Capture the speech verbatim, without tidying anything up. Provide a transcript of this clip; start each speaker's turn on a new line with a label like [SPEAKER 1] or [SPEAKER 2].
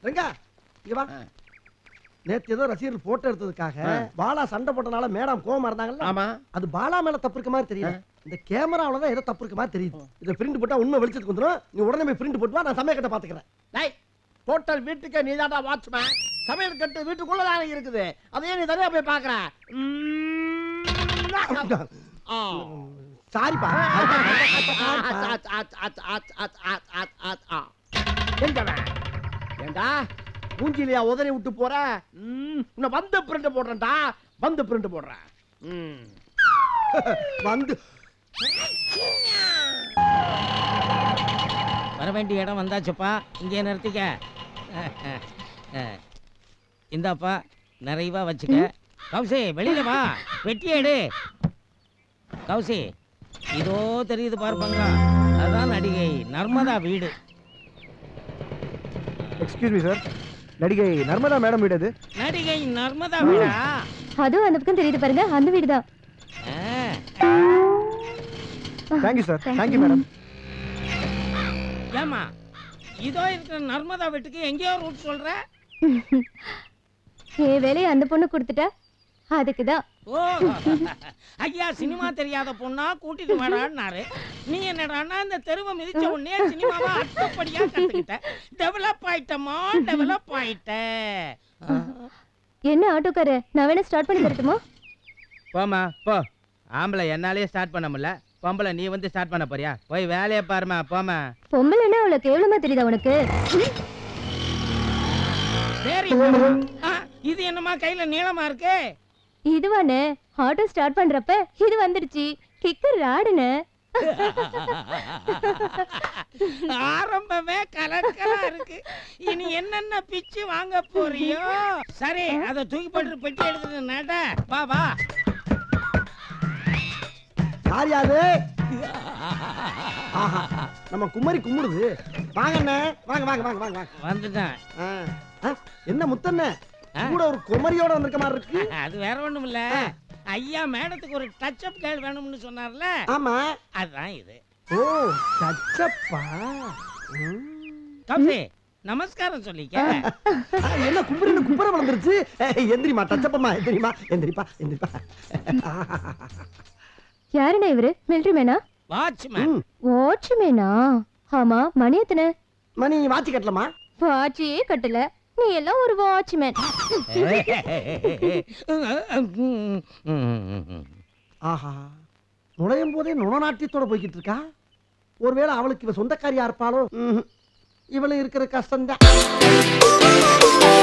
[SPEAKER 1] ரங்கா இங்க வா. நேத்து ஏதோ ரசிகர்கள் போட்டோ எடுத்ததுக்காக பாலா சண்டை போட்டனால மேடம் கோவமா இருந்தாங்கல்ல.
[SPEAKER 2] ஆமா.
[SPEAKER 1] அது பாலா மேல தப்பு இருக்க மாதிரி தெரியல. இந்த கேமராவில தான் ஏதோ தப்பு இருக்க மாதிரி தெரியுது. இத பிரிண்ட் போட்டா உண்மை வெளிச்சத்துக்கு வந்துரும். நீ உடனே போய் பிரிண்ட் போட்டு வா, நான் சமய கட்ட பாத்துக்கிறேன்.
[SPEAKER 2] டேய் ஹோட்டல் வீட்டுக்கே நீ தான்டா வாட்ச்மேன். சமையல் கட்டு வீட்டுக்குள்ள தானே இருக்குது. அதையே நீ தனியா போய் பாக்குற.
[SPEAKER 1] சாரிப்பா.
[SPEAKER 2] ஏண்டா மூஞ்சிலியா உதறி விட்டு போற? உன்னை வந்து பிரிண்ட் போடுறேன்டா. வந்து பிரிண்ட் போடுறேன்.
[SPEAKER 1] வந்து
[SPEAKER 3] வர வேண்டிய இடம் வந்தாச்சுப்பா. இங்கே நிறுத்திக்க. இந்தாப்பா நிறைவா வச்சுக்க. கௌசி வெளியில வா, வெட்டிய எடு. கௌசி இதோ தெரியுது பார்ப்பாங்க, அதான் நடிகை நர்மதா வீடு.
[SPEAKER 4] எக்ஸ்கியூஸ் மீ சார், நடிகை நர்மதா மேடம் வீடு அது.
[SPEAKER 3] நடிகை நர்மதா வீடா?
[SPEAKER 5] அதுவும் அந்த பக்கம் தெரியுது பாருங்க, அந்த வீடு தான்.
[SPEAKER 4] Thank you sir. Thank you madam.
[SPEAKER 3] ஏமா இதோ இருக்கிற நர்மதா வீட்டுக்கு எங்கேயோ ரூட் சொல்ற?
[SPEAKER 5] என் வேலையை அந்த பொண்ணு கொடுத்துட்டா அதுக்குதான்.
[SPEAKER 3] ஓ ஐயா, சினிமா தெரியாத பொண்ணா கூட்டிட்டு வாடான்னாரு. நீ என்னடான்னா இந்த தெருவை மிதிச்ச உடனே சினிமாவா அட்டப்படியா கத்துக்கிட்ட. டெவலப் ஆயிட்டமா, டெவலப் ஆயிட்ட.
[SPEAKER 5] என்ன ஆட்டோக்கார, நான் வேணா ஸ்டார்ட் பண்ணி தரட்டுமா?
[SPEAKER 6] போமா போ. ஆம்பளை என்னாலே ஸ்டார்ட் பண்ண முடியல, பொம்பளை நீ வந்து ஸ்டார்ட் பண்ண போறியா? போய் வேலையை பாருமா, போமா.
[SPEAKER 5] பொம்பளைன்னா அவ்வளோ கேவலமா தெரியுதா உனக்கு?
[SPEAKER 3] சரி, இது என்னமா கையில நீளமா இருக்கு?
[SPEAKER 5] இதுவானே ஆட்டோ ஸ்டார்ட் பண்றப்ப இது வந்துடுச்சு. கிக்கர் ராடுனே.
[SPEAKER 3] ஆரம்பமே கலக்கலா இருக்கு. இனி என்னென்ன பிச்சு வாங்க போறியோ? சரி, அத தூக்கி போட்டு பெட்டி எடுத்துட்டு நட. வா வா.
[SPEAKER 1] யார் யாரு? ஆஹா, நம்ம குமரி கும்பிடுது. வாங்க அண்ணே, வாங்க வாங்க வாங்க வாங்க.
[SPEAKER 3] வந்துட்டேன்.
[SPEAKER 1] என்ன முத்தண்ணே கூட ஒரு குமரியோட வந்திருக்க மாதிரி இருக்கு.
[SPEAKER 3] அது வேற ஒண்ணும் இல்ல, ஐயா மேடத்துக்கு ஒரு டச் அப் கேர்ள் வேணும்னு சொன்னார்ல.
[SPEAKER 1] ஆமா,
[SPEAKER 3] அதுதான் இது.
[SPEAKER 1] ஓ டச்சப்பா.
[SPEAKER 3] கௌசி நமஸ்காரம் சொல்லிக்க.
[SPEAKER 1] என்ன கும்பரின்னு கும்பர வளர்ந்துருச்சு. எந்திரிமா டச்சப்பம்மா, எந்திரிமா எந்திரிப்பா எந்திரிப்பா.
[SPEAKER 5] யாருண்ணே இவரு? மிலிட்டரி மேனா?
[SPEAKER 3] வாட்ச்மேன்.
[SPEAKER 5] வாட்ச்மேனா? ஆமா, மணி எத்தனை?
[SPEAKER 1] மணி வாட்சி கட்டலமா?
[SPEAKER 5] வாட்சியே கட்டல, நீ எல்லாம் ஒரு வாட்ச்மேன்.
[SPEAKER 1] ஆஹா, நுழையும் போதே நுணநாட்டியத்தோட போய்கிட்டு இருக்கா. ஒருவேளை அவளுக்கு இவ சொந்தக்காரியா இருப்பாளோ? இவளு இருக்கிற கஷ்டம்தான்.